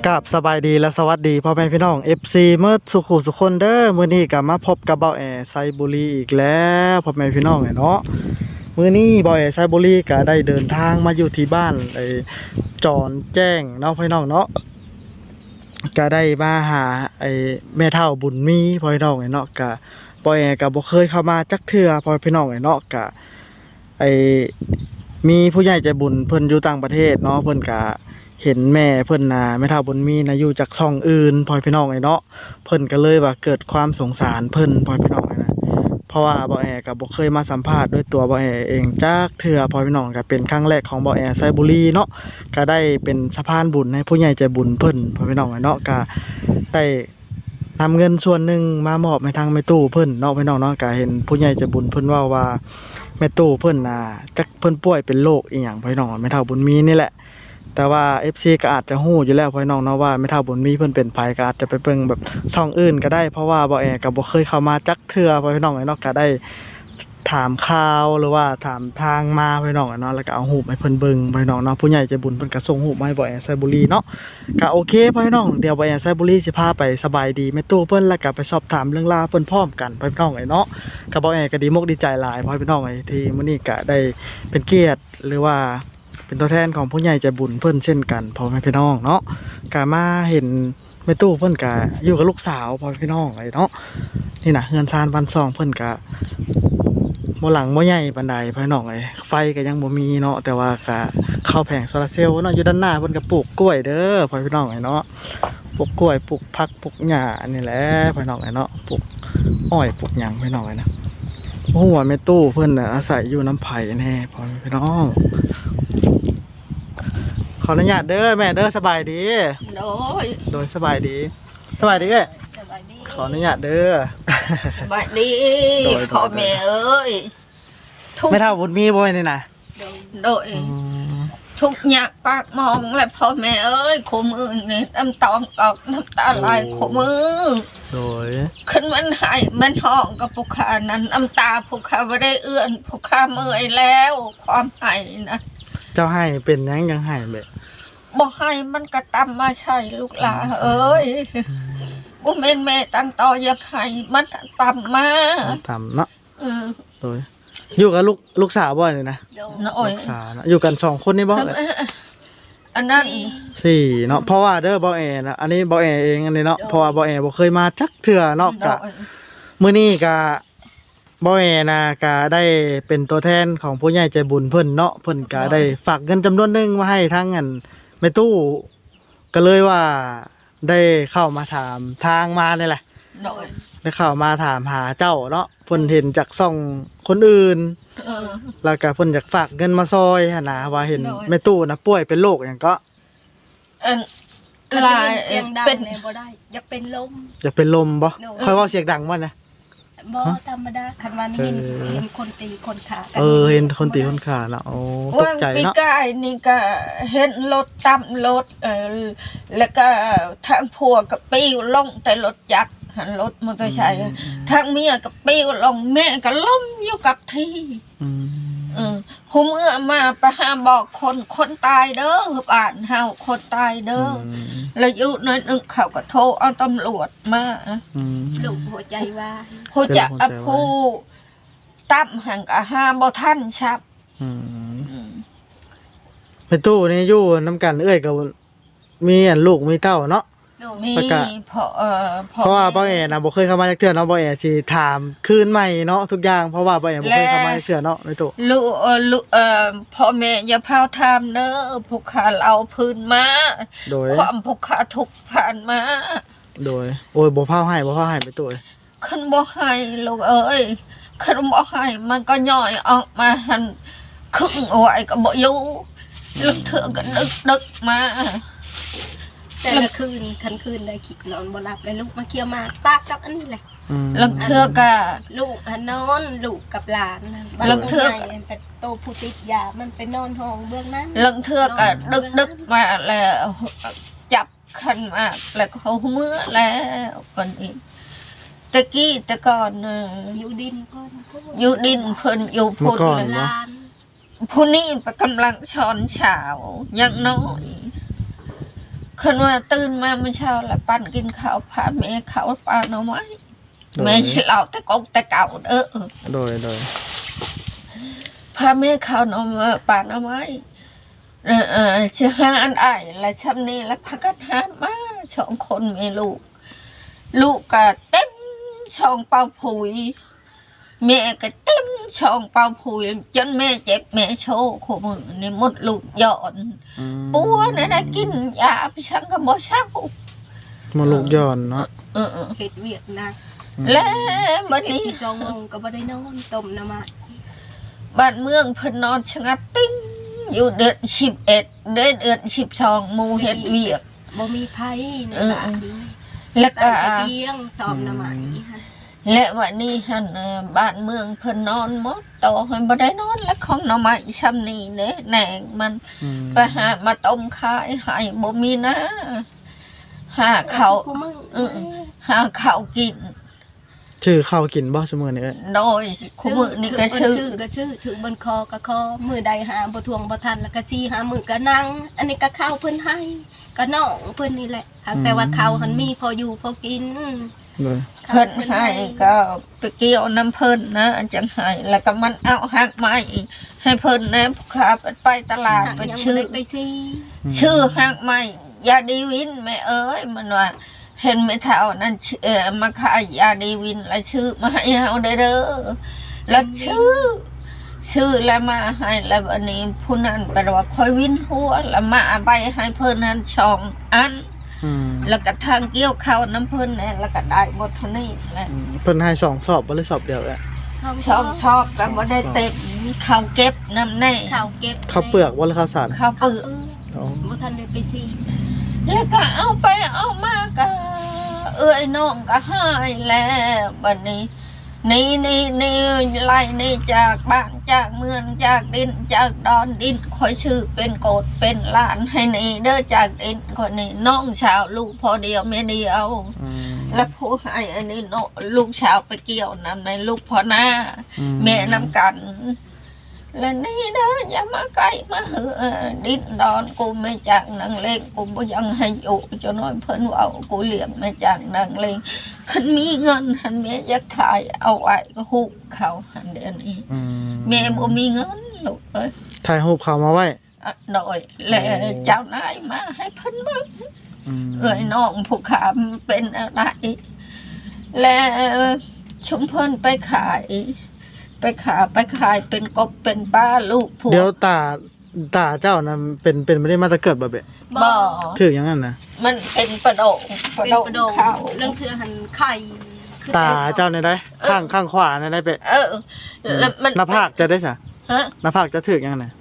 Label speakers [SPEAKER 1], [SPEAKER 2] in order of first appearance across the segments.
[SPEAKER 1] กับสบายดีและสวัสดีพ่อแม่พี่น้อง FC เมื่อสุขุสุคนเด้อมื้อนี้ก็มาพบกับเบาแอไซบุรีอีกแล้วพ่อแม่พี่น้องเนาะมื้อนี้เบาแอไซบุรีก็ได้เดินทางมาอยู่ที่บ้านไอ้จอนแจ้งเนาะพี่น้องเนาะก็ได้มาหาไอ้แม่เฒ่าบุญมีพ่อพี่น้องเนาะก็เบาแอก็บ่เคยเข้ามาจักเทื่อพ่อพี่น้องเนาะก็ไอ้มีผู้ใหญ่ใจบุญเพิ่นอยู่ต่างประเทศเนาะเพิ่นก็เห็นแม่เพิ่นน่ะแม่เฒ่าบุญมีน่ะอยู่จากช่องอื่นพ่อพี่น้องเนาะเพิ่นก็เลยว่าเกิดความสงสารเพิ่นพ่อพี่น้องนะเพราะว่าบ่แอก็บ่เคยมาสัมภาษณ์ด้วยตัวบ่แอเองจักเทื่อพ่อพี่น้องก็เป็นครั้งแรกของบ่แอไซบุรีเนาะก็ได้เป็นสะพานบุญให้ผู้ใหญ่ใจบุญเพิ่นพ่อพี่น้องเนาะก็ได้นำเงินส่วนหนึ่งมามอบให้ทางแม่ตู้เพิ่นเนาะพี่น้องเนาะก็เห็นผู้ใหญ่ใจบุญเพิ่นว่าแม่ตู้เพิ่นน่ะจักเพิ่นป่วยเป็นโรคอีหยังพี่น้องแม่เฒ่าบุญมีนี่แหละแต่ว่า FC ก็อาจจะฮู้อยู่แล้วพี่น้องเนาะว่าแม่เฒ่าบุญมีเพิ่นเป็นไผก็อาจจะไปเบิ่งแบบช่องอื่นก็ได้เพราะว่าบ่แอก็บ่เคยเข้ามาจักเทื่อพี่น้องเนาะก็ได้ถามข่าวหรือว่าถามทางมาพี่น้องเนาะแล้วก็เอารูปให้เพิ่นเบิ่งพี่น้องเนาะผู้ใหญ่ใจบุญเพิ่นก็ส่งรูปมาให้บ่แอไซบุรีเนาะก็โอเคพี่น้องเดี๋ยวบ่แอไซบุรีสิพาไปสบายดีแม่ตู้เพิ่นแล้วก็ไปสอบถามเรื่องราวเพิ่นพร้อมกันพี่น้องเนาะก็บ่แอก็ดีมกดีใจหลายพี่น้องที่มื้อนี้ก็ได้เป็นเกียรติหรือว่าเป็นตัวแทนของผู้ใหญ่ใจบุญเพิ่นเช่นกันพ่อแม่พี่น้องเนาะก็มาเห็นแม่ตู้เพิ่นก็อยู่กับลูกสาวพ่อพี่น้องเนาะนี่น่ะเฮือนซานบ้านซองเพิ่นก็บ่หลังบ่ใหญ่ปานใดพี่น้องไฟก็ยังบ่มีเนาะแต่ว่าก็เข้าแผงโซลาร์เซลล์เนาะอยู่ด้านหน้าเพิ่นก็ปลูกกล้วยเด้อพ่อพี่น้องเนาะปลูกกล้วยปลูกผักปลูกหญ้าอันนี้แหละพี่น้องเนาะปลูกอ้อยปลูกหยังพี่น้องนะโอ้โหแม่ตู้เพิ่นน่ะอาศัยอยู่น้ำไผ่แน่พ่อพี่น้องขออนุญาตเด้อแม่เด้อสบายดีโดยสบายดีเอ้ยขออนุญาตเด้อ
[SPEAKER 2] สบายดีพ่อแม่เอ้ย
[SPEAKER 1] ไม่เท่าบุญมีบ่นี่นะ
[SPEAKER 2] โดยทุกอยากปากมองและพ่อแม่เอ้ยขมือนี่น้ำตาออกน้ำตาไหลขมือ
[SPEAKER 1] โดย
[SPEAKER 2] ขึ้นมันหายมันห้องกับผู้ขานั้นน้ำตาผู้ขาไม่ได้เอื้อนผู้ขาเมื่อยแล้วความหายนะ
[SPEAKER 1] เจ้าให้เป็นยังให้แบบ
[SPEAKER 2] บ่ให้มันกระตำมาใช่ลูกหลาเอ้ยบุแม่แม่ตั้งต่ออยากให้มันตำมา
[SPEAKER 1] ตำเนาะโดยอยู่กับลูกสาวบ่นี่นะลูกสาวนะอยู่กัน2คนนี่บ่
[SPEAKER 2] อันนั้น
[SPEAKER 1] 4เนาะเพราะว่าเด้อบ่แอนะอันนี้บ่แอเองอันนี้เนาะเพราะว่าบ่แอบ่เคยมาจักเทื่อเนาะก็มื้อนี้ก็บ่แอนะก็ได้เป็นตัวแทนของผู้ใหญ่ใจบุญเพิ่นเนาะเพิ่นก็ได้ฝากเงินจำนวนนึงมาให้ทางอันแม่ตู้ก็เลยว่าได้เข้ามาถามทางมานี่แหละได้เข้ามาถามหาเจ้าเนาะเพิ่นเห็นจากช่องคนอื่นแล้วก็เพิ่นอยากฝากเงินมาซอยหั่นน่ะว่าเห็นแม่ตู้น่ะป่วยเป็นโรคหยังก็
[SPEAKER 3] ลายเสียงดังเนี่ยบ่ได้อยากเป็นลม
[SPEAKER 1] บ่ค่อยเว้าเสียงดังบ่นะ
[SPEAKER 3] บ่ธรรมดาคันว่าเห็นคนตีคนขา
[SPEAKER 1] เห็นคนตีคนขาเนาะโอ้ตกใจเนาะ
[SPEAKER 2] ปีกายนี่ก็เห็นรถตำรถแล้วก็ทางผัวก็ปิ้วลงแต่รถจักรหันรถมอเตอร์ไซค์ทางเมียก็ปิ้วลงแม่ก็ล้มอยู่กับที่ผมมาไปหาบอกคนตายเด้อบ้านเฮาคนตายเด้อแล้วอยู่น้อยนึงเขาก็โทรเอาตำรวจมา
[SPEAKER 3] ลูกหัวใจว่า
[SPEAKER 2] ผู้จะผู้ตั้มหังกะหาบ่ทันชับ
[SPEAKER 1] ไปตู้นี่อยู่น้ำกันเอ้ยกับมีอันลูกมีเต้าเนาะ
[SPEAKER 2] มี
[SPEAKER 1] เพราะว่าบ่แอนะบ่เคยเข้ามาจักเทื่อเนาะบ่แอสิถามคืนใหม่เนาะทุกอย่างเพราะว่าบ่แอบ่เคยเข้ามาจักเทื่อเนาะในตู้
[SPEAKER 2] ลูกพ่อแม่อย่าพาวถามเด้อผู้ขาเอาพื้นมา
[SPEAKER 1] โดย
[SPEAKER 2] ความผู้ขาทุกผ่านมา
[SPEAKER 1] โดยโอ้ยบ่พาวให้ไปตู้
[SPEAKER 2] คันบ่ให้ลูกเอ้ยคันบ่ให้มันก็ย่อยออกมาหั่นครึ่งเอาไว้ก็บ่อยู่ลึกเถื่อก็ดึกมา
[SPEAKER 3] แต่ละคืนได้คิดนอนบ่หลับเลยลูกมาเคี่ยวมาปากกับอันนี้แหละ
[SPEAKER 2] ลังเทือกะ
[SPEAKER 3] ลูกนอนลูกกับหลาน
[SPEAKER 2] ลังเทือก
[SPEAKER 3] แต่โตผู้ติดยามันไปนอนห้องเบื้องนั้น
[SPEAKER 2] ลังเทือกะดึกมาแล้วจับขันมาแล้วเขาเมื่อแล้วคนอีกตะกี้แต่ก่อน
[SPEAKER 3] อยู่ดินก่อน
[SPEAKER 2] อยู่ดินเพิ่นอยู่พุ่นลานผู้นี้ไปกำลังช้อนเช้ายังน้อยคันว่าตื่นมาเมื่อเช้าแล้วปั่นกินข้าวพาแม่ข้าวปลาหน่อไม้แม่สิเล่าแต่กงแต่เก่า
[SPEAKER 1] โดย
[SPEAKER 2] พาแม่ข้าวหน่อไม้ปลาหน่อไม้จะหาอันอ้ายและชำนี้และพักกันหามา2 คนแม่ลูกก็เต็มช่องเป่าผุยแม่ก็เต็มช่องเป่าผุยจนแม่เจ็บแม่โชว์ขมือนี่มดลูกหย่อนปัวเนี่ยได้กินยาไปชังก็บ่เช้า
[SPEAKER 1] มาลูกย้อนเนาะ
[SPEAKER 3] เฮ็ดเวียกหนัก
[SPEAKER 2] และบัดนี้
[SPEAKER 3] 12 โมงก็บ่ได้นอนต้มน้ำมัน
[SPEAKER 2] บ้านเมืองเพิ่นนอนชะงัดติ้งอยู่เดือน11เดือน12หมู่เฮ็ดเวียก
[SPEAKER 3] บ่มีไผในบ้าน
[SPEAKER 2] แล้วก็
[SPEAKER 3] แต่เตียงซ้อมน้ำมันนี่ค่ะ
[SPEAKER 2] และวันนี้หั่นบ้านเมืองเพิ่นนอนหมดโตให้บ่ได้นอนแล้วของหน่อไม้ซ้ำนี้เด้แหน่งมันไปหามาต้มขายให้บ่มีนะหาข้าวหาข้าวกิน
[SPEAKER 1] ชื่อข้าวกินบ่ซุมื้อนี้เอ้ย
[SPEAKER 2] โดยคุมื้อนี้ก็ชื่อ
[SPEAKER 3] ก็ชื่อถือบนคอก็คอมือใดหาบ่ทวงบ่ทันแล้วก็สิหามือก็นั่งอันนี้ก็ข้าวเพิ่นให้ก็น้องเพิ่นนี่แหละแต่ว่าข้าวหันมีพออยู่พอกิน
[SPEAKER 1] เลย
[SPEAKER 2] เพิ่นให้ก็ไปเกี่ยวน้ำเพิ่นนะจังให้แล้วก็มันเอาหักไม้ให้เพิ่นนะผู้ค้าไปตลาดไปชื่อ
[SPEAKER 3] ไปสิ
[SPEAKER 2] ชื่อหักไม้ยาดีวินแม่เอ้ยมันว่าเห็นไม่เท่านั้นมาขายยาดีวินแล้วชื่อมาให้เฮาได้เด้อแล้วชื่อแล้วมาให้แล้วอันนี้ผู้นั้นแปลว่าคอยวินหัวแล้วมาใบให้เพิ่นนั้น2 อันแล้วก็ทางเกี่ยวข้าวน้ำเพิ่นเนี่ยแล้วก็ได้หมดเท่านี้แหละ
[SPEAKER 1] เพิ่นให้2 สอบบ่เลยสอบเดียวเอ้ย
[SPEAKER 2] ชอบก็บ่ได้เต็มข้าวเก็บน้ำแน่
[SPEAKER 3] ข้าวเก็บ
[SPEAKER 1] ข้าวเปลือกบ่หรือข้าวสาร
[SPEAKER 2] ข้าวเปลือก
[SPEAKER 3] บ่ทันได้ไปสิ
[SPEAKER 2] แล้วก็เอาไปเอามาก็น้องก็หายแล้วบัดนี้นี่ไล่นี่จากบ้านจากเมืองจากดินจากดอนดินคอยชื่อเป็นโกดเป็นหลานให้นี่เด้อจากดินคนนี้น้องชาวลูกพอเดียวแม่เดียวและผู้ให้อันนี้ลูกชาวไปเกี่ยวนั่นในลูกพ่อหน้าแม่นำกันและนี่เด้ออย่ามาใกล้มาดินดอนกูไม่จังนางเลงกูบ่ยังให้อยู่จนน้อยเพิ่นว่ากูเลี้ยงไม่จังนางเลงคันมีเงินหันแม่อยากถ่ายเอาไว้ก็ฮู้เขาหันเดือนนี้แม่บ่มีเงินลูกเอ้ย
[SPEAKER 1] ถ่ายรูปเขามาไว้
[SPEAKER 2] โดยและเจ้านายมาให้เพิ่นเบิ่งน้องผู้ขามเป็นอะไรและชุมเพิ่นไปขายเป็นกบเป็นปลาลูกผัว
[SPEAKER 1] เดี๋ยวตาเจ้านะเป็นไม่ได้มาแตะเกิดบ่เบะ
[SPEAKER 2] บ่
[SPEAKER 1] ถืออย่างนั้นนะ
[SPEAKER 2] มันเป็นประโดง
[SPEAKER 3] เป็นประโดง
[SPEAKER 2] ข้าว
[SPEAKER 3] เรื่องเทื่อหันไข่
[SPEAKER 1] ตาเจ้าในได้ข้างขวาในได้เปะ
[SPEAKER 2] แล้วมัน
[SPEAKER 1] หน้าผากจะได้ซะ
[SPEAKER 2] ฮะ
[SPEAKER 1] หน้าผากจะถืออย่างนั้นนะ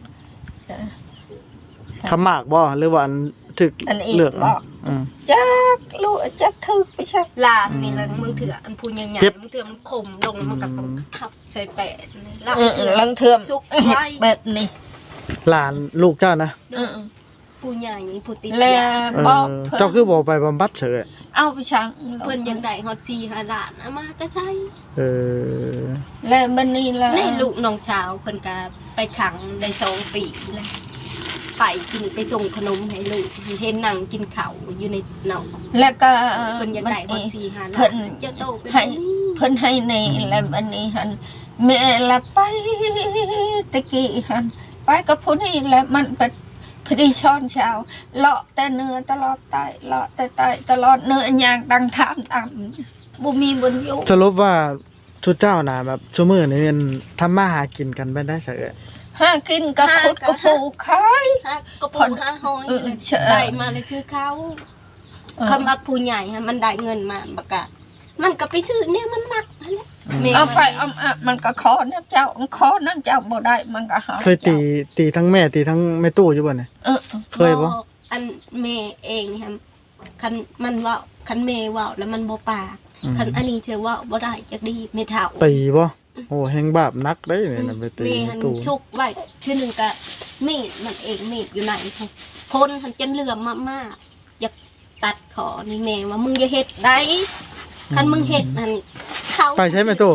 [SPEAKER 1] ขมากบ่หรือว่าอันถือ
[SPEAKER 2] อันนี้
[SPEAKER 1] เลือก
[SPEAKER 2] บอกจักลูกจักถึกไปใช่
[SPEAKER 3] ลางนี่นะมึงเถื่ออันพูนใหญ่ๆมึงเถื่อมันขมลงมันก็ต้องทับใส่แปะ
[SPEAKER 2] ลังเทือม
[SPEAKER 3] สุกไว้
[SPEAKER 2] แบบนี้
[SPEAKER 1] หลานลูกเจ้านะ
[SPEAKER 3] ผู้ใหญ่ผู้ติด
[SPEAKER 2] แล้ว
[SPEAKER 3] ยา
[SPEAKER 2] บอก
[SPEAKER 1] เจ้าคือบ่ไปบำบัดเฉย
[SPEAKER 2] เอาไปชัง
[SPEAKER 3] เพิ่นยังได้ฮอด4-5 ล้านเอามาแต่ใส่
[SPEAKER 2] แล้วบัดนี้ล่ะ
[SPEAKER 3] ในลูกน้องสาวเพิ่นก็ไปขังได้2 ปีแล้วไปกินไปส่งขนมให้ลูกเห็นนั่งกินข้าวอยู่ในเนาะ
[SPEAKER 2] แล้วก็
[SPEAKER 3] เพิ่นยังได้ฮอด4-5 ล้าน
[SPEAKER 2] เพิ่น
[SPEAKER 3] จะโตเป็น
[SPEAKER 2] ให้เพิ่นให้ในแล้วบัดนี้หันแม่ละไปตะกี้หันไปกับผู้นี้แหละมันเป็นพอดีช้อนเช้าเลาะแต่เนื้อตลอดไตเลาะแต่ไตตลอดเนื้อย่างดังถามตามบ่มีบนอยู่
[SPEAKER 1] สรุปว่าชุดเจ้านะแบบชั่วมือนี่เป็นทำมาหากินกันไปได้เฉย
[SPEAKER 2] หากินกับขุดกับปลูกขาย
[SPEAKER 3] ก็พอ5ห้อยได้มาเลยชื่อเขาคำว่าผู้ใหญ่ฮะมันได้เงินมาประกาศมันก็ไปซื้อเนี่ยมันมักนั่นแหละ
[SPEAKER 2] เอาไปเอามันก็ขอน้ำเจ้าขอน้ำเจ้าบ่ได้มันก็หา
[SPEAKER 1] เคยตีทั้งแม่ตีทั้งแม่ตู้อยู่บ่เนี่ยเคยบ่
[SPEAKER 3] อันแม่เองนี่ครับคันมันว่าคันแม่ว่าแล้วมันบ่ปากคันอันนี้เธอว่าบ่ได้จักดีไม่เท่า
[SPEAKER 1] ตีบ่โอ้แฮงบาปนักได้เนี่ยนะไปตี
[SPEAKER 3] แม่หัน
[SPEAKER 1] ตู้
[SPEAKER 3] ชุกไว้ชื่อนึงก็มีดมันเองมีดอยู่ไหนคนหันจนเหลื่อมมากๆอยากตัดคอนี่แม่ว่ามึงอย่าเฮ็ดได้คันมึงเฮ็ดนั่นเขา
[SPEAKER 1] ไปใช้แม่ตู้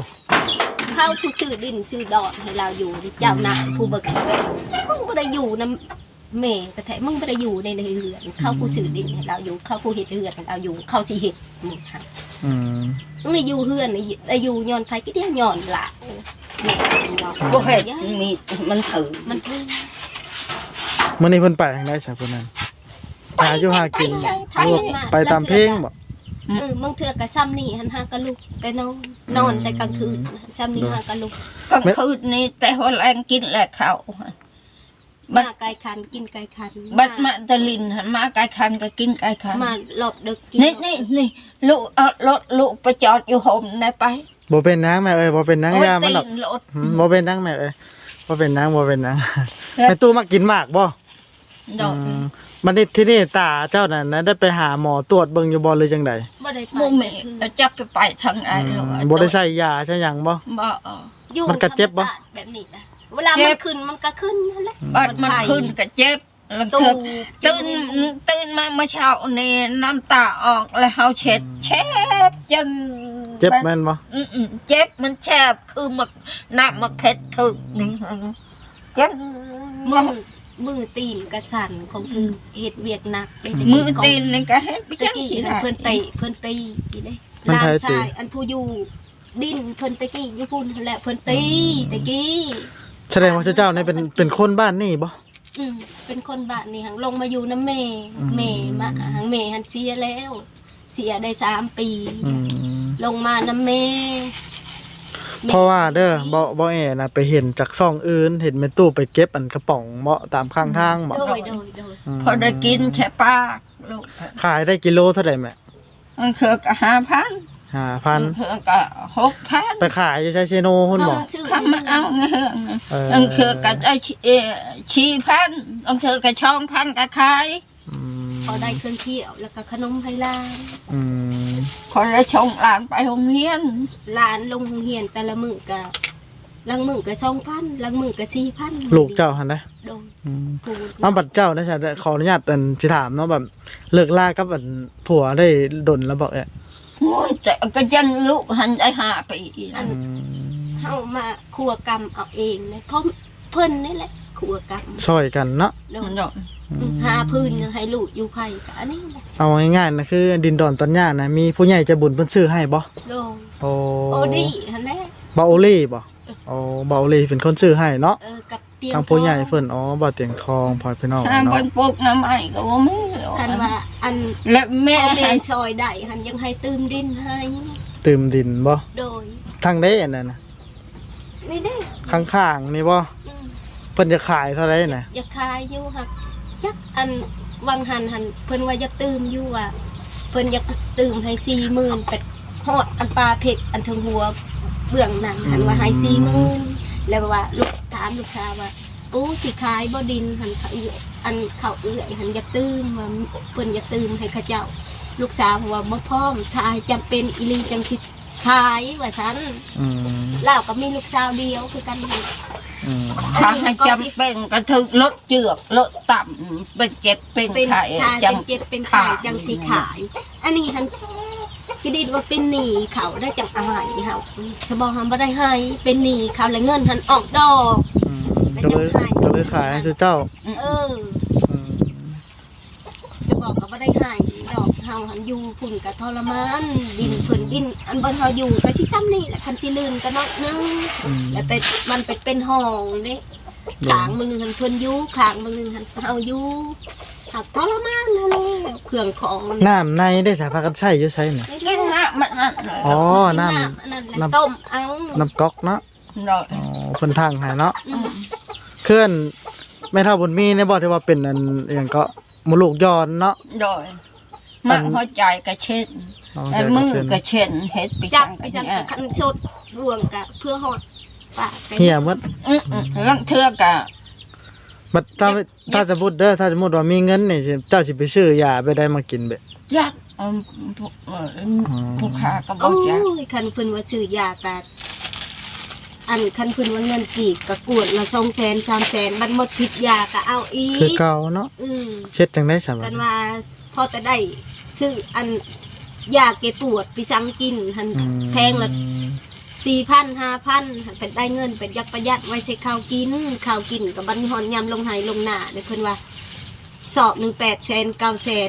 [SPEAKER 3] เข้าผู้ชื่อดินชื่อดอนให้เราอยู่เจ้านายผู้เบิกมึงบ่ได้อยู่นำแม่ก็แท้มึงบ่ได้อยู่ในเรือนเขาผู้ซื้อดินให้เราอยู่เขาผู้เฮ็ดเรือนให้เราอยู่เขาสิเฮ็ดมึงหั่น
[SPEAKER 1] อืม
[SPEAKER 3] มึงได้อยู่เรือนได้อยู่ย้อนไผก็เดียวย้อนล่ะแม่บอก
[SPEAKER 2] บ่เฮ็ดมีมันถือ
[SPEAKER 3] มันเพิ่ง
[SPEAKER 1] มื้อนี้เพิ่นไปทางใดซะเพิ่นนั้นหาอยู่หากินไปตามเพลงบ่
[SPEAKER 3] บางเทื่อก็ซ้ำนี่หันหากะลุกแต่นอนแต่กลางคืนซ้ำนี่หากะลุก
[SPEAKER 2] กลางคืนนี่แต่ว่าแรงกินแหละเขา
[SPEAKER 3] มาไก่คันกินไก่คัน
[SPEAKER 2] บัดมาตะลินหันมาไก่คันก็กินไก่คัน
[SPEAKER 3] มาหลบดึกกิน
[SPEAKER 2] นี่ลูกเอารถลูกไปจอดอยู่ห่มได้ไป
[SPEAKER 1] บ่เป็นนางแม่เอ้ยบ่เป็นนางยามันดอก
[SPEAKER 2] โยตีรถ
[SPEAKER 1] บ่เป็นนางแม่เอ้ยบ่เป็นนางบ่เป็นนางแม่ตู้มากินหมากบ่
[SPEAKER 2] ดอก
[SPEAKER 1] มันนี่ที่นี่ตาเจ้านั่นนะได้ไปหาหมอตรวจเบิ่งอยู่บ่หรือจังได
[SPEAKER 3] บ่ได้ไป
[SPEAKER 2] โมเมจับไปทางไหนลูก
[SPEAKER 1] บ่ได้ใช้ยาใช้หยังบ่
[SPEAKER 2] บ่
[SPEAKER 3] อยู่
[SPEAKER 1] มันก็เจ็บบ่
[SPEAKER 3] ธรรมชาติแบบนี้นะเวลามันขึ้นมันก็ขึ้นนั่นแหละ
[SPEAKER 2] บัดมันขึ้นก็เจ็บแล้ว
[SPEAKER 3] ตู
[SPEAKER 2] ตื่นมาเมื่อเช้านี่น้ำตาออกแล้วเฮาเช็ดจน
[SPEAKER 1] เจ็บแม่นบ่
[SPEAKER 2] เจ็บมันแฉบคือหมักน้ำหมักเผ็ดถึกนี่เจ็บ
[SPEAKER 3] มือตีนกระสันของเธอเฮ็ดเวียกหนักได้
[SPEAKER 2] มือตีนนี่ก็เฮ็ดไป
[SPEAKER 3] ตะ
[SPEAKER 2] จัง
[SPEAKER 3] กี้
[SPEAKER 2] ซี่
[SPEAKER 3] นะ
[SPEAKER 2] นะ
[SPEAKER 3] เพิ่นตีอีเด้หลานชายอันผู้อยู่ดินเพิ่นตะกี้อยู่พุ่นนั่นแหละเพิ่นตีตะกี้
[SPEAKER 1] แสดงว่าเจ้านี่เป็นคนบ้านนี่บ่
[SPEAKER 3] เป็นคนบ้านนี่หังลงมาอยู่น้ำแม่
[SPEAKER 1] อืม
[SPEAKER 3] แม่มาหังแม่หันเสียแล้ว เสียได้3 ปี
[SPEAKER 1] อืม
[SPEAKER 3] ลงมาน้ำแม่
[SPEAKER 1] เพราะว่าเด้อบ่แอน่ะไปเห็นจากซ่องอื่นเห็นแม่ตู้ไปเก็บอันกระป๋องเหมาะตามข้างทางบ่
[SPEAKER 3] โดย
[SPEAKER 2] พอได้กินแช่ปากลูก
[SPEAKER 1] ขายได้กิโลเท่าใดแม่
[SPEAKER 2] มันคือก็5,000
[SPEAKER 1] 5,000
[SPEAKER 2] คือก็6,000
[SPEAKER 1] ไปขายอยู่ใช้เชโนพุ่นบ่
[SPEAKER 2] คำมาเอาเงี้ย อันคือก็ได้4,000อันคือก็2,000ก็ขาย
[SPEAKER 1] อืม
[SPEAKER 3] พอได้เครื่องเที่ยวแล้วก็ขนมให้หลาน
[SPEAKER 1] อืม
[SPEAKER 2] คนละชงหลานไปโรงเรียน
[SPEAKER 3] หลานลงโรงเรียนแต่ละมื้อก็ลังมื้อก็2,000ลังมื้อก็4,000
[SPEAKER 1] ลูกเจ้าหั่นนะ
[SPEAKER 3] โดย
[SPEAKER 1] อืม
[SPEAKER 3] ผู้
[SPEAKER 1] เอาบัดเจ้าได้ใช่ขออนุญาตสิถามเนาะแบบเลิกลากับอันผัวได้ดนแล้วบอกเอ๊ะ
[SPEAKER 2] โอ้ยแต่ก็ยังลูกหันได้5 ปี
[SPEAKER 3] อันเฮามาครัวกรรมเอาเองนะเพราะเพิ่นนี่แหละครัวกรรม
[SPEAKER 1] ช่วยกันเนาะ
[SPEAKER 3] โด
[SPEAKER 2] มัน
[SPEAKER 3] ย
[SPEAKER 2] ดอก
[SPEAKER 3] หาพื้นให้ลูกอยู่ไผก็อันนี้แหละ
[SPEAKER 1] เอาง่ายๆนะคือดินดอนตอนย่านะมีผู้ใหญ่ใจะบุญเพิ่นซื้อให้บ่
[SPEAKER 3] โดย
[SPEAKER 1] โอ้
[SPEAKER 3] โอดีหั่นแหละ
[SPEAKER 1] บ่โอลี่บ่โอ้บ่โอลี่เป็นคนซื้อให้เนาะ
[SPEAKER 3] กับเตียง
[SPEAKER 1] ทางผู้ใหญ่เพิ่นอ๋อบ่เตียงทองพอพี่น้อง
[SPEAKER 2] ถ้า
[SPEAKER 1] เนาะ
[SPEAKER 2] มันปลูกน้ำไม้ก็บ่มี
[SPEAKER 3] กันว่าอัน
[SPEAKER 2] และแม่
[SPEAKER 3] พ่อแม่ซอยได้หันยังให้ตื่มดินให้
[SPEAKER 1] ตื่มดินบ่
[SPEAKER 3] โดย
[SPEAKER 1] ทางใดอันนั้นน่ะ
[SPEAKER 3] นี่เด้
[SPEAKER 1] ข้างๆนี่บ่
[SPEAKER 3] อืม
[SPEAKER 1] เพิ่นจะขายเท่าไหร่น่ะ
[SPEAKER 3] อย่าขายอยู่หักจักอันวังหันเพิ่นว่าอยากตื่มอยู่อ่ะเพิ่นอยากตื่มให้40,000เป็ดฮอดอันปลาเผ็ดอันถึงหัวเบื้องนั้นหันว่าให้40,000แล้วว่าลูกถามลูกสาวว่าปูสิขายบ่ดินหันเขาเอื้อยอันเขาเอื้อยหันอยากตื่มว่าเพิ่นอยากตื่มให้เขาเจ้า ลูกสาวว่าบ่พร้อมถ้าจำเป็นอีหลีจังสิขายว่าซั่น
[SPEAKER 1] อืม
[SPEAKER 3] ลาวก็มีลูกสาวเดียวคือกันนี่
[SPEAKER 1] อืม
[SPEAKER 2] ถ้าให้จำเป็นก็ถึกลดเจือกลดต่ำเป็นเจ็บเป็น
[SPEAKER 3] เป็น
[SPEAKER 2] ไข้
[SPEAKER 3] ทาย
[SPEAKER 2] จั
[SPEAKER 3] เป็นเจ็บเป็นไข่จังสีขาย อันนี้หันคิดดีว่าเป็นหนี้เขาได้จังอายเฮาสบอหันบ่ได้ให้เป็นหนี้เขาและเงินหันออกดอก
[SPEAKER 1] อืมก็เลยขายให้เจ้า
[SPEAKER 3] เออ
[SPEAKER 1] อืม
[SPEAKER 3] จะบอกก็บ่ได้ให้ดอกเฮาหันอยู่พุ่นก็ทรมานดินเพิ่นดิน อันบ่เฮาอยู่ก็สิซ้ำนี่แหละคันสิลืมก็น้อยนึง
[SPEAKER 1] อืม
[SPEAKER 3] แล้วมันเป็นห้องเด้ขางมือหันเพิ่นอยู่ขางมือหันเฮาอยู่หักทรมานนั่นแหละเครื่องของมัน
[SPEAKER 1] น้ำในได้สาพากันใช้อยู่ใช้น่ะ
[SPEAKER 2] กินน้ำมันนั่น
[SPEAKER 1] อ๋อ น้
[SPEAKER 3] นั่นแหละต้มเอา
[SPEAKER 1] น้ำก๊อกเนาะ
[SPEAKER 2] ดอก
[SPEAKER 1] อ๋อเพิ่นทางให้เนาะ
[SPEAKER 3] อืม
[SPEAKER 1] เคลื่อนแม่เท่าบุญมีเนี่ยบอกที่ว่าเป็นอันอย่างก็มลูกย้อนเนาะ
[SPEAKER 2] ดอกมันหัวใจก็เช็ด
[SPEAKER 1] น้อง
[SPEAKER 2] ไอ้
[SPEAKER 1] ใจ
[SPEAKER 2] มือ
[SPEAKER 1] เส้น
[SPEAKER 2] ก็เช็ดเฮ็ดไป
[SPEAKER 3] จั
[SPEAKER 2] จั
[SPEAKER 3] บ
[SPEAKER 2] ง
[SPEAKER 3] ไป
[SPEAKER 2] กัน
[SPEAKER 3] จัง
[SPEAKER 2] เนี่ย
[SPEAKER 3] กับคันชดรวงกับเพื่อหอดปากไป
[SPEAKER 1] เหี่ยหมด
[SPEAKER 2] ลังเทือกอะ
[SPEAKER 1] บัดถ้าจะพูดเด้อถ้าสมมุติว่ามีเงินนี่สิเจ้าสิไปซื้อยาไปได้มากินเบะ
[SPEAKER 2] ยักผู้ค้าก็บ
[SPEAKER 3] โอ้
[SPEAKER 2] อกจัก
[SPEAKER 3] ยคันเพิ่นว่าซื้อยากะอันคันเพิ่นว่าเงินกีบกะกวดละ200,000 300,000มันหมดผิดยากะเอาอี
[SPEAKER 1] คือก เก่าเนาะ
[SPEAKER 3] อืม
[SPEAKER 1] เช็ดจังได้สำ
[SPEAKER 3] กันว่าพอจะได้ซื้ออันยาแก้ปวดไปสั่งกินหันแพงละ 4,000 5,000เป็นได้เงินเป็นอยากประหยัดไว้ใช้ข้าวกินกับบัดนี้ฮอนยามลงไหลงหน้าเด้เพิ่นว่าสอบ1 800,000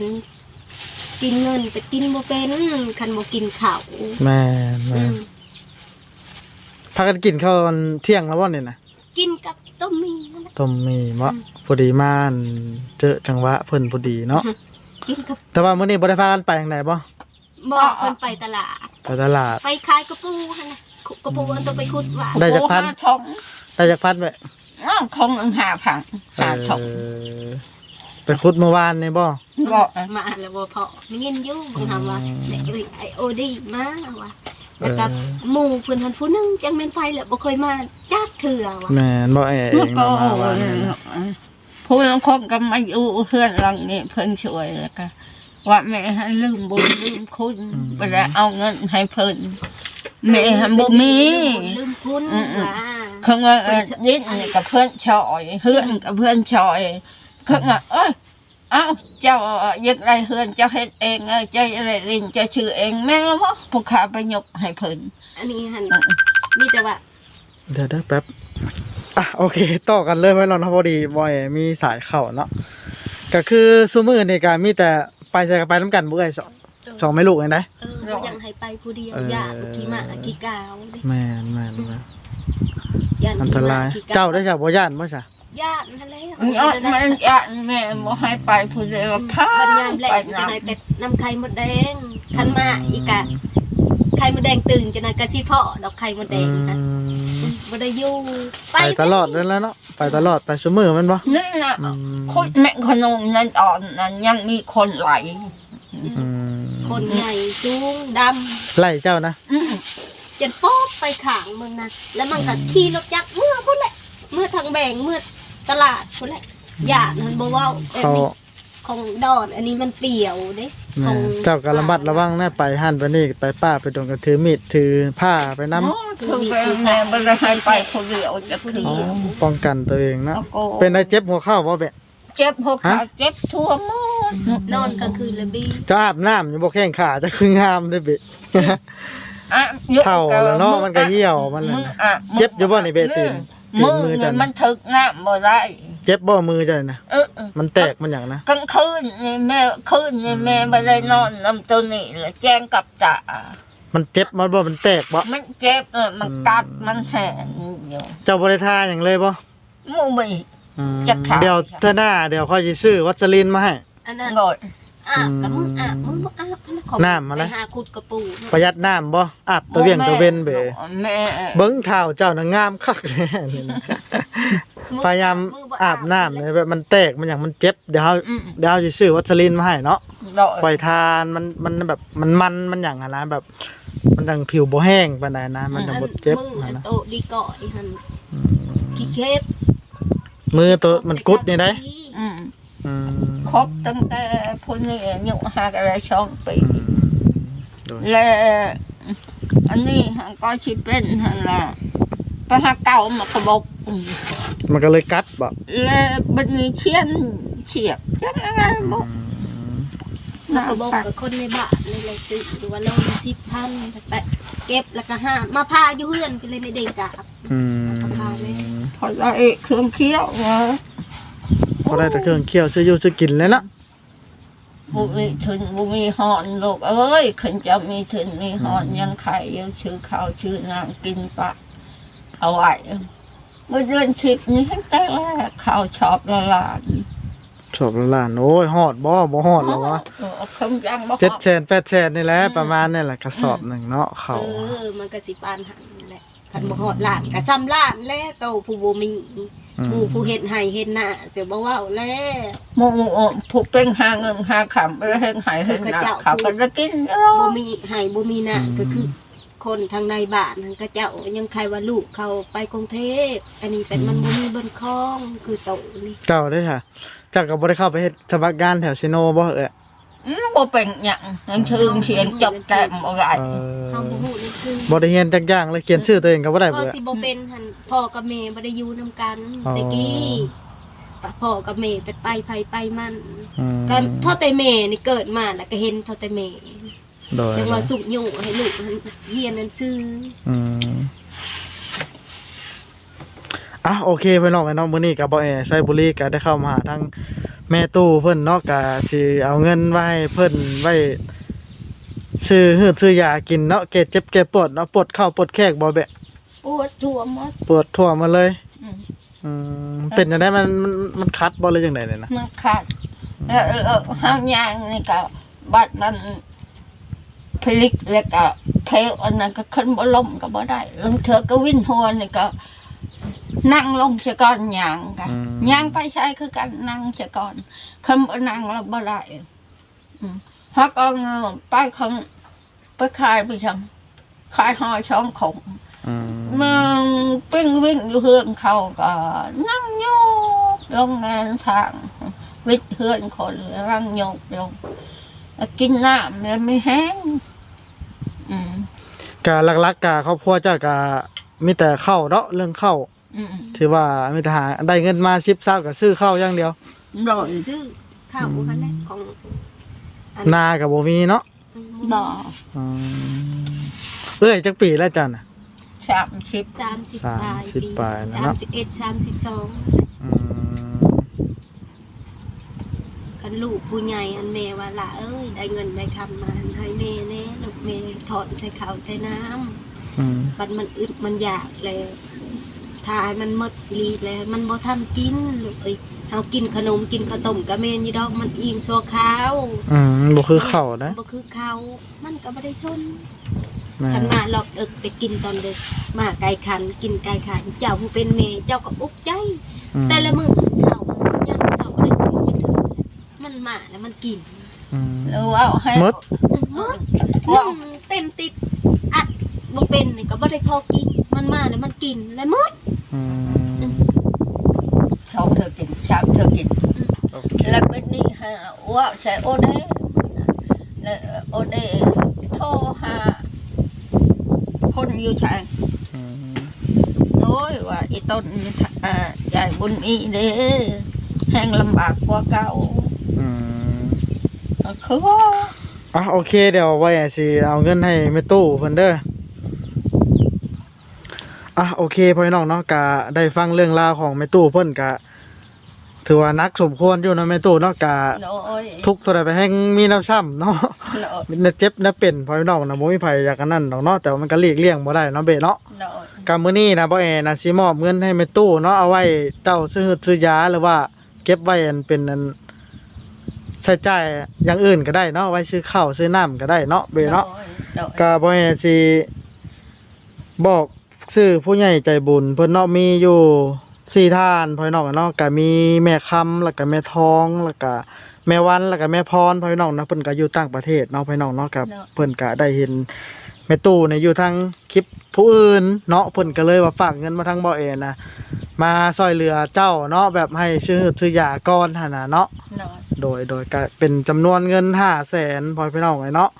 [SPEAKER 3] 900,000กินเงินไปกินบ่เป็นคันบ่กินข้าว
[SPEAKER 1] แม่นพากันกินข้าวตอนเที่ยงแล้วบ่นี่นะ
[SPEAKER 3] กินกับต้มมีนั่นแหละ
[SPEAKER 1] ต้มมีมะพอดีมาอั่นเจอจังหวะเพิ่นพอดีเนาะ
[SPEAKER 3] กินกับ
[SPEAKER 1] แต่ว่ามื้อนี้บ่ได้พากันไปทางไหนบ่
[SPEAKER 3] บ่เพิ่นไปตลาด
[SPEAKER 1] ไปตลาด
[SPEAKER 3] ไปขายกระปูหั่นน่ะกระปูอันต้องไปขุดหว่า
[SPEAKER 1] ได้จากพัน
[SPEAKER 2] โอ้5 ช่อง
[SPEAKER 1] ได้จากพัดไป
[SPEAKER 2] คง5,000 5 ช่อง
[SPEAKER 1] ไปขุดเมื่อวานนี่บ่
[SPEAKER 2] บ่
[SPEAKER 3] มาแล้วบ่พอมีเงินอยู่เพิ่นถามว่าเด็กไอโอดีมาว่าแล้วก็หมู่เพิ่นหันผู้หนึงจังแม่นไปแล้วบ่เคยมาจักเทื่อว่า
[SPEAKER 1] แม่นบ่เอง
[SPEAKER 2] มันก็
[SPEAKER 1] เมื่อวานนี่นะ
[SPEAKER 2] ผู้ลางคนก็มาอยู่เพื่อนหลังนี้เพิ่นช่วยแล้วก็ว่าแม่ให้ลืมบุญลืมคุณไปแล้วเอาเงินให้เพิ่นแม่ให้บ่มี
[SPEAKER 3] ลืมคุณว่า
[SPEAKER 2] เขาว่าดิ้นนี่กับเพื่อนชอยเฮือนกับเพื่อนชอยเขาว่าเอ้ยเอ้าเจ้าอยากได้เฮือนเจ้าเฮ็ดเองเจ้าอะไรลินเจ้าชื่อเองแม่บ่ผู้ขาไปยกให้เพิ่น
[SPEAKER 3] อันนี้หั่นมีแต่ว่า
[SPEAKER 1] เดี๋ยวแป๊บโอเคต่อกันเลยไว้แล้วเนาะพอดีบ่อยมีสายเข้าเนาะก็คือซุมื้อนี่ก็มีแต่ไปใส่กันไปนํกันบ่เอ้ยสองแม่ลูกเองได้
[SPEAKER 3] บ่ยังให้ไปผู้เดียวย่านขี้หมาขี้กาวเด้
[SPEAKER 1] แม่น
[SPEAKER 3] ย่าน
[SPEAKER 1] อันต
[SPEAKER 3] ขี้ห
[SPEAKER 1] ราม
[SPEAKER 3] าย ขี้กาว
[SPEAKER 1] เจ้าได้จากบ่ย่านบ่ซะ
[SPEAKER 3] ย่านนั่นแหละ
[SPEAKER 2] มันแม่บ่ให้ไปผู้เดียวพา
[SPEAKER 3] บัดยามแล
[SPEAKER 2] ไป
[SPEAKER 3] งจะไหนเป็ดน้ำไข่มดแดงคันมาอีกะไข่มดแดงตื่นจะไหนกะสิเพาะดอกไข่มดแดงค่ะบ่ได้อยู่
[SPEAKER 1] ไปตลอดนั่นแหล้วเนาะไปตลอดไปซุมื้อแม่นบ่
[SPEAKER 2] นั่นน่ะคนแม่ขนมนั่นอ่อนนั้นยังมีคนไหล
[SPEAKER 1] อืม
[SPEAKER 3] คนใหญ่สูงด
[SPEAKER 1] ไล่เจ้านะ
[SPEAKER 3] ำจนป๊อบไปขางเมืองนะแล้วมันก็ขี่รถจักรเมื่อพุ่นแหละเมื่อทางแบ่งเมื่อตลาดพุ่นแหละอย่านั้นบ่เว้าแต่
[SPEAKER 1] เขา
[SPEAKER 3] มีของดอนอันนี้มันเปี่ยวเด้ข
[SPEAKER 1] แม่
[SPEAKER 3] อง
[SPEAKER 1] เจ้าก็ระมัดระวังนะไปหั่นไปนี่ไปป้าไปดงก็ถือมีดถือผ้าไปนำ
[SPEAKER 2] คือแม่บ่ได้ให้ไปผู้เดียวจะผู้เดียว
[SPEAKER 1] ป้องกันตัวเองนะ
[SPEAKER 2] แล้วก็
[SPEAKER 1] เป็นได้เจ็บหัวเข่าบ่แบะ
[SPEAKER 2] เจ็บหัวขาเจ็บทั่วหมด
[SPEAKER 3] นอนกลางคืนเลยบี
[SPEAKER 1] จะอาบน้ำอยู่บ่แข้งขาจะคืองามได้อเบะ
[SPEAKER 2] อ่ะ
[SPEAKER 1] เท่าแล้วเนาะมันก็เหี่ยวมันน่ะนะเจ็บอยู่บ่นี่เบะตีน
[SPEAKER 2] มือ
[SPEAKER 1] มือ
[SPEAKER 2] นี่
[SPEAKER 1] จัน
[SPEAKER 2] มันถึกน้ำบ่ได้
[SPEAKER 1] เจ็บบ่มือจ้ะนะ
[SPEAKER 2] เออ
[SPEAKER 1] มันแตกมันหยังนะ
[SPEAKER 2] กลางคืนนี่แม่คืนนี่แม่บ่ได้นอนน้ำตัวนี้เลยแจ้งกับจ่า
[SPEAKER 1] มันเจ็บมันบ่มันแตกบ่
[SPEAKER 2] มันเจ็บมันกัดมันแหงอยู่
[SPEAKER 1] เจ้าบ่ได้ทาหยังเลยบ่
[SPEAKER 2] หมูมี
[SPEAKER 1] อืม
[SPEAKER 2] จะขาย
[SPEAKER 1] เดี๋ยวเทื่อหน้าเดี๋ยวค่อยสิซื้อวัสลีนมาให้
[SPEAKER 3] อันนั้น
[SPEAKER 2] โดย
[SPEAKER 3] อาบกับมึงอาบมึงบ่อาบนะของ
[SPEAKER 1] น้ำมาแล้ว
[SPEAKER 3] ไปหาขุดกระปู
[SPEAKER 1] ประหยัดน้ำบ่อาบตะเวียงตะเวนเบะ
[SPEAKER 2] แม่
[SPEAKER 1] เบิ่งเท้าเจ้าน่ะงามคักแน่นี่นะพยายามอาบน้ำเนี่ยแบบมันแตกมันหยังมันเจ็บเดี๋ยวเฮาสิซื้อวัสลีนมาให้เนาะ
[SPEAKER 2] โดย
[SPEAKER 1] ปล่อยทานมันแบบมันหยังอะนะแบบ มันดังผิวบ่แห้งปานใดนะมันจะบ่เจ็บ
[SPEAKER 3] มึงอัน
[SPEAKER 1] นะ
[SPEAKER 3] โตดีก่อยหั่นขี้เข็บ
[SPEAKER 1] มือตัวมันกุดนี่ได้
[SPEAKER 2] อืม
[SPEAKER 1] อืม
[SPEAKER 2] ครบตั้งแต่พุ่นนี่อายุ5อะไร2 ปี
[SPEAKER 1] โดย
[SPEAKER 2] และอันนี้ก็สิเป็นหั่นล่ะไปหาเก่ามากระบอก
[SPEAKER 1] มันก็เลยกัดบ่
[SPEAKER 2] และบัดนี้เฉียบจังไงบ่
[SPEAKER 3] มันก็บอกกับคนในบ้านเลยซื้อหรือว่าเรา10,000ไปเก็บแล้วก็หามาพาอยู่เฮือนไปเลยในเด็กจ้ะ
[SPEAKER 1] อืม
[SPEAKER 2] พอได้เครื่องเคี้ยวนะ
[SPEAKER 1] พอได้แต่เครื่องเคี่ยวซื้ออยู่ซื้อกินเลยเนาะ
[SPEAKER 2] บุมีถึงบุมีหอนลูกเอ้ยขึ้นจะมีถึงมีหอนยังไข่ยังชื่อข้าวชื่อนางกินปะเอาไว้เมื่อเดือน10นี้ให้แต่แรกข้าวชอบละลาน
[SPEAKER 1] ชอบละล้านโอ้ยฮอดบ่ฮอดแล้ววะ
[SPEAKER 2] คำยังบ่
[SPEAKER 1] 700,000 800,000นี่แหละประมาณนี่แหละกระสอบหนึงเนาะเขา
[SPEAKER 3] มันก็สิปานหันนั่นแหละคันบ่ฮอดล้านก็ซ้ำล้านแล้วโตผู้บ่มีหมู่ผู้เฮ็ดให้เฮ็ดหน้าเสียบ่เว้าแล้ว
[SPEAKER 2] หมู่ผู้เป็นหาเงินหาคำไปเฮ็ดให้เฮ็ดหน้าเขาก็จะกิน
[SPEAKER 3] บ่มีให้บ่มีหน้าก็คือ คนทางในบ้านนั่นก็เจ้ายังใครว่าลูกเขาไปกรุงเทพอันนี้เป็นมันบ่มีบนคลองคือโตนี่
[SPEAKER 1] เจ้าได้ค่ะเจ้าก็บ่ได้เข้าไปเฮ็ดสมัครงานแถวซิโนบ่เอ้ย
[SPEAKER 2] บ่เป็นหยังยังชื่อเขียนจบแต่บ่ได้
[SPEAKER 3] เฮาบ่ฮู้นี่คือ
[SPEAKER 1] บ่ได้เรียนจักอย่างเลยเขียนชื่อตัวเองก็บ่ได้
[SPEAKER 3] ก็
[SPEAKER 1] เบ่
[SPEAKER 3] สิบ่เป็นหั่นพ่อกับแม่บ่ได้อยู่นํกันแต่กี้พ่อกับแม่ไปไผไปมัน
[SPEAKER 1] อืม
[SPEAKER 3] ก็เท่าแต่แม่นี่เกิดมาแล้วก็เห็นเท่าแต่แม่
[SPEAKER 1] โดย
[SPEAKER 3] จังว่าสุกโยงให้ลูกเฮียนนั่นซื้อ
[SPEAKER 1] อืมโอเคพี่น้องมื้อนี้ก็บ่ไซบุรีก็ได้เข้ามาหาทางแม่ตู้เพิ่นเนาะก็สิเอาเงินไว้ให้เพิ่นไว้ซื้อยากินเนาะแก้เจ็บแก้ปวดเนาะปวดเข่าปวดแข้งบ่แบะ
[SPEAKER 2] ปวดทั่วหมด
[SPEAKER 1] ปวดทั่วมาเลย
[SPEAKER 2] อืม
[SPEAKER 1] เป็นจังได๋มันคัดบ่เลยจังได๋เนี่ยนะ
[SPEAKER 2] มันขาดแล้วห้างยางนี่ก็บัดนั้นพลิกแล้วก็เพลอันนั้นก็ขึ้นบ่ล้มก็บ่ได้ลางเทื่อก็วิ่นหัวนี่ก็นั่งลงเสียก่อนย่างกันย่างไปใช้คือกันนั่งเสียก่อนคำบ่นั่งแล้วบ่ได้ฮะก็เงือไปคำไปขายไปจังขายหอยช่องของมึงปิ้งวิ่งอยู่เฮือนเขาก็นั่งโยกลงงานทางวิทย์เฮือนคนนั่งโยกลงกินน้ำแล้วไม่แห้ง
[SPEAKER 1] ก็หลักๆก็ครอบครัวเจ้าก็มีแต่ข้าวเนาะเรื่องข้าวที่ว่ามีแต่หาได้เงินมา10 20ก็ซื้อข้าวอย่างเดียว
[SPEAKER 2] โดย
[SPEAKER 3] ซื้อข้าวนั่นแหละของ
[SPEAKER 1] นาก็บ่มีเนาะ
[SPEAKER 2] บ่
[SPEAKER 1] จักปีแล้วจ้ะน่ะ
[SPEAKER 3] 30
[SPEAKER 1] ปลายนะเนาะ
[SPEAKER 3] 31 32คันลูกผู้ใหญ่อันแม่ว่าล่ะเอ้ยได้เงินได้คำมาให้แม่แน่ลูกแม่ถอนใส่ข้าวใส่น้ำบัดมันอึดมันอยากเลยถ้าให้มันหมดลีดเลยมันบ่ทันกินลูกเอ้ยเฮากินขนมกินข้าวต้มก็แม่นอยู่ดอกมันอิ่มชั่วคราว
[SPEAKER 1] บ่คือข้าวนะ
[SPEAKER 3] บ่คือข้าวมันก็บ่ได้สนคันมาหลอกดึกไปกินตอนดึกมาไก่ขันกินไก่ขันเจ้าผู้เป็นแม่เจ้าก็อุกใจแต่ละมื้อข้าวยามเช้าก็ได้กินจักเทื่อมันมาแล้วมันกิน
[SPEAKER 2] หรือว่าให้
[SPEAKER 1] หมด
[SPEAKER 3] เต็มติดอัดบ่เป็นนี่ก็บ่ได้พอกินมันมาแล้วมันกินแล้วหมด
[SPEAKER 2] ชอบเธอกินชอบเธอกินแล้วเป็นนี่ฮะว่าใช้โอเดแล้วโอเดโทรหาคนอยู่ใช่โอ้ยว่าอีต้นยายบุญมีเด้แห้งลำบากกว่าเก่าคือว่า
[SPEAKER 1] โอเคเดี๋ยวไว้สิเอาเงินให้แม่ตู้เพิ่นเด้อโอเคพ่อน้องเนาะก็ได้ฟังเรื่องราวของแม่ตู้เพิ่นก็ถือว่านักสมควรอยู่เนาะแม่ตู้เนาะก็ทุกข์เท่าใดไปแห่งมีน้ำช้ำเนาะมีเจ็บนะเป็นพ่อน้องนะบ่มีไผอยากอันนั้นดอกเนาะแต่ว่ามันก็หลีกเลี่ยงบ่ได้เนาะเบะเนาะก็มื้อนี้นะบ่แอนะสิมอบเงินให้แม่ตู้เนาะเอาไว้เจ้าซื้อยาหรือว่าเก็บไว้อันเป็นอันใช้จ่ายอย่างอื่นก็ได้เนาะไว้ซื้อข้าวซื้อน้ำก็ได้เนาะเบเนาะก็บ่ให้สิบอกซื้อผู้ใหญ่ใจบุญเพิ่นเนาะมีอยู่4ท่านพ่อน้องเนาะก็มีแม่คำแล้วก็แม่ทองแล้วก็แม่วันแล้วก็แม่พรพ่อน้องเนาะเพิ่นก็อยู่ต่างประเทศเนาะพ่อน้องเนาะก็เพิ่นก็ได้เห็นแม่ตู้เนี่ยอยู่ทางคลิปผู้อื่นเนาะเพิ่นก็เลยว่าฝากเงินมาทางบ่เอนะมาช่วยเหลือเจ้าเนาะแบบให้ซื้อยาก่อนหั่นน่ะเนาะโดยก็เป็นจำนวนเงิน 500,000 พ่อพี่น้องไว้เนาะ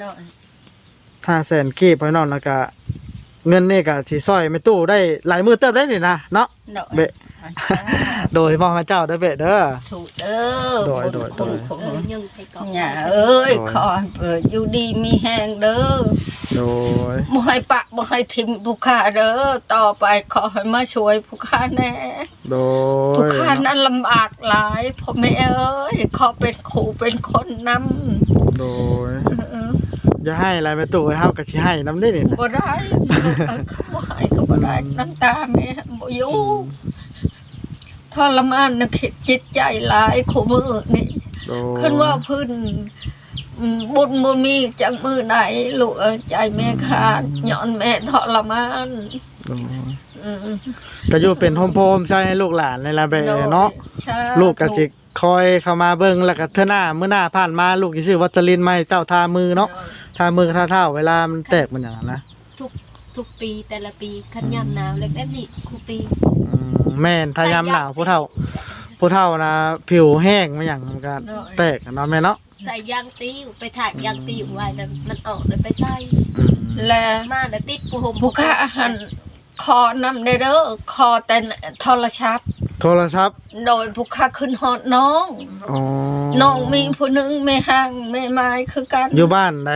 [SPEAKER 1] 500,000 กีบพ่อน้องแล้วก็เงินนี่ก็สิช่วยแม่ตู้ได้หลายมื้อเติบได้นี่นะเนาะเบะโดยมอบให้เจ้าเด้อเบะเด้อ
[SPEAKER 2] ถูกเด้อ
[SPEAKER 1] โดย
[SPEAKER 3] ยังใส่กล่อง
[SPEAKER 2] อย่าเอ้ยขออยู่ดีมีแห้งเด้อ
[SPEAKER 1] โดย
[SPEAKER 2] บ่ให้ปะบ่ให้ทิมผู้ค้าเด้อต่อไปขอให้มาช่วยผู้ค้าแน่
[SPEAKER 1] โดย
[SPEAKER 2] ผู้ค้านั้นลำบากหลายพ่อแม่เอ้ยขอเป็นครูเป็นคนนำ
[SPEAKER 1] โดยอย่าให้อะไรแม่ตู้เฮาก็สิให้นำได้นี่นะ
[SPEAKER 2] บ่ได้เขาบ่ให้ก็บ่ได้น้ำตาแม่บ่อยู่ทรมานนะจิตใจหลายคู่มือนี่
[SPEAKER 1] โดย
[SPEAKER 2] คันว่าพื้นบุญบ่มีจักมือไหนลูกใจแม่ขาดย้อนแม่ทรมาน
[SPEAKER 1] โดยก็อยู่เป็นโฮมโพมใช้ให้ลูกหลานในละเบเนาะ
[SPEAKER 2] ใช่
[SPEAKER 1] ลูกก็สิคอยเข้ามาเบิ่งแล้วก็เทื่อหน้ามื้อหน้าผ่านมาลูกสิซื้อวัสลินมาให้เจ้าทามือเนาะทามือทาเท้าเวลามันแตกมันอย่างนั้นนะ
[SPEAKER 3] ทุกปีแต่ละปีคันยามหนาวแล้วแบบนี้คูปี
[SPEAKER 1] แม่นถ้ายามหนาวผู้เฒ่านะผิวแห้งมาอย่างมันก็แตกเนาะแม่เนาะ
[SPEAKER 3] ใส่ยางติ้วไปถ่ายยางติ้วไว้แล้วมันออกเลยไปใส่
[SPEAKER 2] และ
[SPEAKER 3] มาแล้วติดกูห่ม
[SPEAKER 2] ผู้ค้าหันคอนำได้เด้อคอแต่โทรศัพท์
[SPEAKER 1] โทรศัพท์
[SPEAKER 2] โดยผู้ค้าขึ้นฮอดน้อง
[SPEAKER 1] อ๋อ
[SPEAKER 2] น้องมีผู้หนึงแม่ห้างแม่ไม้คือกัน
[SPEAKER 1] อยู่บ้านไหน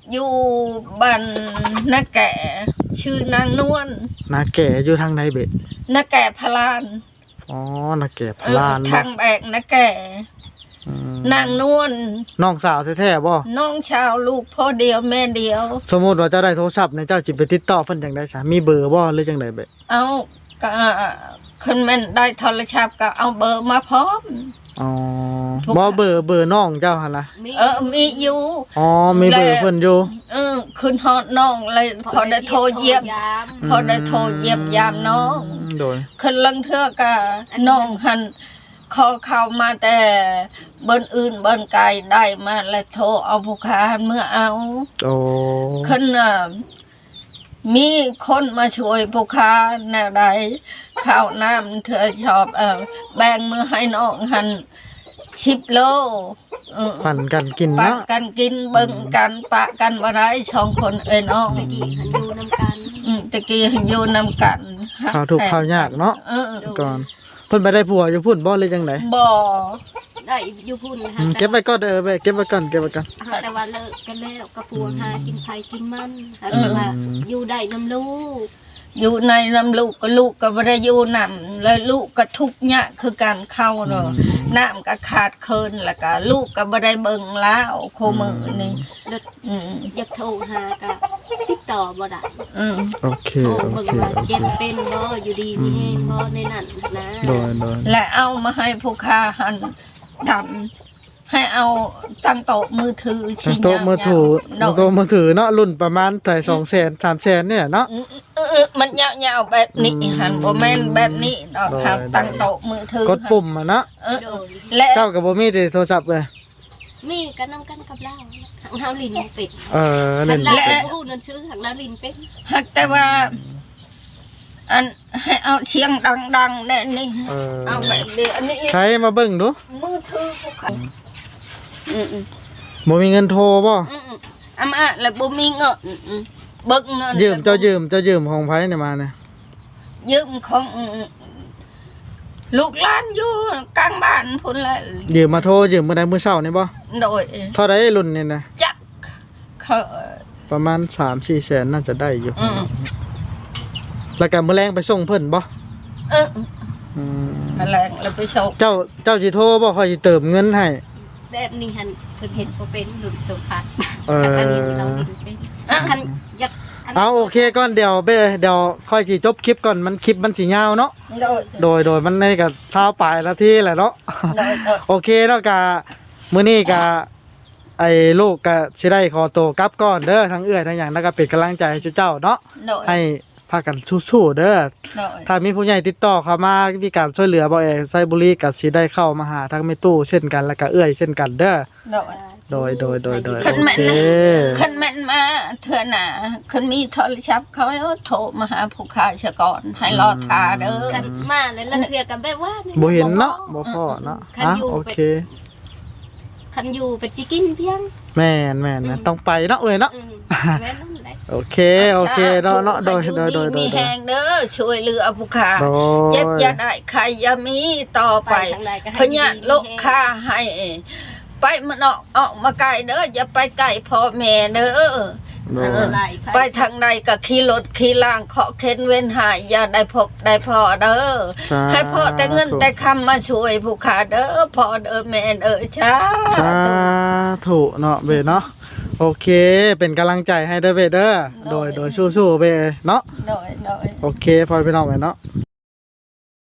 [SPEAKER 2] อยู่บ้านนาแก่ชื่อนางนวล
[SPEAKER 1] นาแก่อยู่ทางใดเบ็ด
[SPEAKER 2] นาแก่พลาน
[SPEAKER 1] อ๋อนาแก่พลาน
[SPEAKER 2] ทางแบกนาแก่
[SPEAKER 1] อืม
[SPEAKER 2] นางนวล
[SPEAKER 1] น้องสาวแท้ๆบ่
[SPEAKER 2] น้องชาวลูกพ่อเดียวแม่เดียว
[SPEAKER 1] สมมุติว่าเจ้าได้โทรศัพท์เนี่ยเจ้าสิไปติดต่อเพิ่นจังได๋ซะมีเบอร์บ่หรือจังไดเบ็ด
[SPEAKER 2] เอาก็คนแม่นได้โทรศัพท์ก็เอาเบอร์มาพร้อม
[SPEAKER 1] อ๋อ
[SPEAKER 2] ทุก
[SPEAKER 1] บ่เบอร์น้องเจ้าหั่นล่ะ
[SPEAKER 2] มีอยู่
[SPEAKER 1] อ๋อมีเบอร์เพิ่นอยู่
[SPEAKER 2] ขึ้นฮอดน้องเลยพอได้โทรเยี่ยมพอได้โทรเยี่ยมยามน้อง
[SPEAKER 1] โดย
[SPEAKER 2] ขึ้นลังเทื่อก็น้องหันขอเข้ามาแต่เบิ้นอื่นเบิ้นไกลได้มาแล้วโทรเอาผู้ค้าเมื่อเอา
[SPEAKER 1] โอ้
[SPEAKER 2] ขึ้นมีคนมาช่วยผู้ค้าแนวใดข้าวน้ำเธอชอบแบ่งมือให้น้องหัน10 โล
[SPEAKER 1] ปั่นกันกิน
[SPEAKER 2] ปะ
[SPEAKER 1] เนาะ
[SPEAKER 2] กันกินเบิ่งกันปะกันว่าได้ช่องคนเอ้ยน้อง
[SPEAKER 3] ตะกี้หันอยู่นำกัน
[SPEAKER 2] ตะกี้หันอยู่นำกัน
[SPEAKER 1] ข้าวทุกข์ข้าวยากเนาะ
[SPEAKER 2] เออ
[SPEAKER 1] ก่อนเพิ่นไปได้ผัวอยู่พุ่นบ่หรือจังได
[SPEAKER 2] บ่
[SPEAKER 3] ได้อยู่พุ่น
[SPEAKER 1] เก็บไว้ก่อนเว้ยเก็บไว้ก่อนเก็บไว้ก่อน
[SPEAKER 3] แต่ว่าเลิกกันแล้วกับผัวหากินไผกินมันแต่ว่าอยู่ได้นำลูก
[SPEAKER 2] อยู่ในน้ำลูกก็บ่ได้อยู่นำแล้วลูกก็ทุกข์ยากคือการเข้าเนาะน้ำก็ขาดเคินแล้วก็ลูกก็บ่ได้เบิ่งแล้วโคมือนี่
[SPEAKER 3] แล้ว
[SPEAKER 2] อืม
[SPEAKER 3] อยากโทรหาก็ติดต่อบ่ได้
[SPEAKER 2] อืม
[SPEAKER 1] โอเค
[SPEAKER 3] โทร
[SPEAKER 1] โอ
[SPEAKER 3] เบิ่ง
[SPEAKER 1] เค
[SPEAKER 3] ว่าเจ็บเป็นบ่อยู่ดีมีแฮงบ่ในนั้นนะ
[SPEAKER 1] โดย
[SPEAKER 2] และเอามาให้ผู้ค้าหันดำให้เอาตั้งโต๊ะมือถือ
[SPEAKER 1] ตั้งโต๊ะมือถือ
[SPEAKER 2] เนาะ
[SPEAKER 1] โต๊ะมือถือเนาะรุ่นประมาณแต่200,000 300,000เนี่ยเนาะ
[SPEAKER 2] มันยาวๆแบบนี้หันบ่แม่นแบบนี้ดอกครับตั้งโต๊ะมือถือก
[SPEAKER 1] ดปุ่มอ่ะเนาะ
[SPEAKER 3] โดย
[SPEAKER 2] และ
[SPEAKER 1] เจ้าก็บ่มีแต่โทรศัพท์เลย
[SPEAKER 3] มีกันนำกันกับเราเฮาลินเป็ด
[SPEAKER 1] เล่น
[SPEAKER 3] แล้
[SPEAKER 1] บ่
[SPEAKER 3] ว
[SPEAKER 1] เป็น
[SPEAKER 3] ผู้นั้นซื้อหักแล้วลินเป็น
[SPEAKER 2] หักแต่ว่า อันให้เอาเสียงดังๆแน่นี่เอาแบบนี้อันนี้
[SPEAKER 1] ใช้มาเบิ่งดู
[SPEAKER 2] มือถือผู้ค้าอืม
[SPEAKER 1] บ่มีเงินโทรบ่
[SPEAKER 2] อามาแล้วบ่มีเงินเบิกเงิน
[SPEAKER 1] ยืมเจ้ายืมของไผเนี่ยมาเนี่ย
[SPEAKER 2] ยืมของลูกหลานอยู่กลางบ้านพุ่นแหละ
[SPEAKER 1] ยืมมาโทรยืมมื้อใดมื้อเช้านี่บ่
[SPEAKER 2] โดย
[SPEAKER 1] เท่าใดรุ่นนี่นะ
[SPEAKER 2] จักเขา
[SPEAKER 1] ประมาณ 3-4 แสนน่าจะได้อยู่
[SPEAKER 2] อืม
[SPEAKER 1] แล้วก็มื้อแลงไปส่งเพิ่นบ่
[SPEAKER 2] เออ
[SPEAKER 1] อืม
[SPEAKER 2] มาแลงแล้วไปโชค
[SPEAKER 1] เจ้าสิโทรบ่ค่อยสิเติมเงินให้
[SPEAKER 3] แบบนี้หันเพิ่นเห็นบ่เป็นหลุดสมพัด
[SPEAKER 1] เออ
[SPEAKER 3] อันนี้เราลินเป็นคันอยาก
[SPEAKER 1] เอาโอเคก่อนเดี๋ยวค่อยสิจบคลิปก่อนมันคลิปมันสิยาวเนาะ โดยมันในก็20ปลายนาทีแหละเนาะ โอเคแล้วก็มื้อนี้ก็ไอ้ลูกก็สิได้ขอตัวกลับก่อนเด้อทั้งเอื้อยทั้งหยังแล้วก็เป็นกำลังใจให้เจ้าเนาะ
[SPEAKER 2] โดย
[SPEAKER 1] ให้พากันสู้ๆเด้อ
[SPEAKER 2] โดย
[SPEAKER 1] ถ้ามีผู้ใหญ่ติดต่อเข้ามามีการช่วยเหลือบ่เอไซบุรีก็สิได้เข้ามาหาทั้งแม่ตู้เช่นกันแล้วก็เอื้อยเช่นกันเด้อ
[SPEAKER 2] โดย
[SPEAKER 1] โดย
[SPEAKER 2] คัน
[SPEAKER 1] โอ
[SPEAKER 2] แม่น
[SPEAKER 1] เค
[SPEAKER 2] คันแม่นมาเถื่อหน่ะคันมีโทรศัพท์เขาโทรมาหาผู้ค้าเสียก่อนให้รอทาเด้อ
[SPEAKER 3] คันมาแล้วลังเทื่อกันแบบว่า
[SPEAKER 1] บ่เห็นเนาะบ่พอเนาะโอเค
[SPEAKER 3] คันอยู่ไปสิกินเพียง
[SPEAKER 1] แม่นนะต้องไปเนาะเอ้ยเนาะ
[SPEAKER 3] แม่นั่นแหละ
[SPEAKER 1] โอเคเนาะโดย
[SPEAKER 2] มีแหงเด้อช่วยเหลือผู้ค้า
[SPEAKER 1] โด
[SPEAKER 2] เจ็บ
[SPEAKER 1] ย
[SPEAKER 2] อย่าได้ใครอย่ามีต่อไป
[SPEAKER 3] ทางใดก็ให้
[SPEAKER 2] พญาโลกค่าให้ ไปมันออกมาไกลเด้ออย่าไปไกลพ่อแม่เด้อ
[SPEAKER 1] โดย
[SPEAKER 2] ไปทางใดก็ขี่รถขี่ล่างเคาะเข็นเว้นหายอย่าได้พบได้พอเด้อให้พ่อแต่เงินแต่คำมาช่วยผู้ขาเด้อพ่อเด้อแม่เด้อช้า
[SPEAKER 1] สาธุเนาะเบเนาะโอเคเป็นกำลังใจให้เด้อเบเด้อโดยสู้ๆเบเนาะ
[SPEAKER 2] โดย
[SPEAKER 1] โอเคพอพี่น้องเบเนาะ